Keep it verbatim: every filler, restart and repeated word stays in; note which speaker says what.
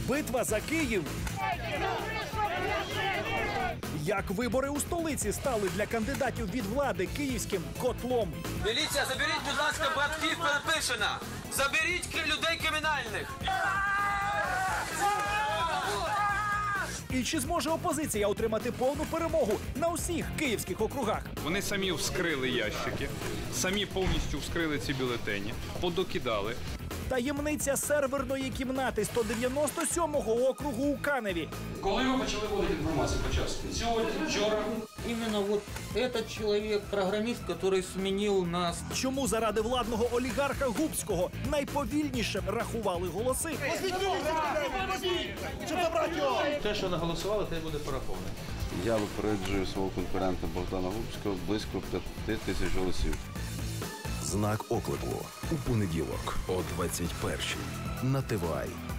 Speaker 1: Битва за Київ. Як вибори у столиці стали для кандидатів від влади київським котлом.
Speaker 2: Міліція, заберіть, будь ласка, братків Пилипишина. Заберіть людей кримінальних.
Speaker 1: І чи зможе опозиція отримати повну перемогу на усіх київських округах?
Speaker 3: Вони самі вскрили ящики, самі повністю вскрили ці бюлетені, подокидали.
Speaker 1: Таємниця серверної кімнати сто дев'яносто сьомого округу у Каневі.
Speaker 4: Коли ви почали вводити інформацію по часу? Сьогодні, вчора?
Speaker 5: Именно вот этот человек, программист, который сменил нас.
Speaker 1: Чому заради владного олігарха Губського найповільніше рахували голоси?
Speaker 4: Те, що наголосували, те буде пораховано.
Speaker 6: Я випереджую свого конкурента Богдана Губського близько п'яти тисяч голосів.
Speaker 7: Знак оклику у понеділок о двадцять першій на Т В А.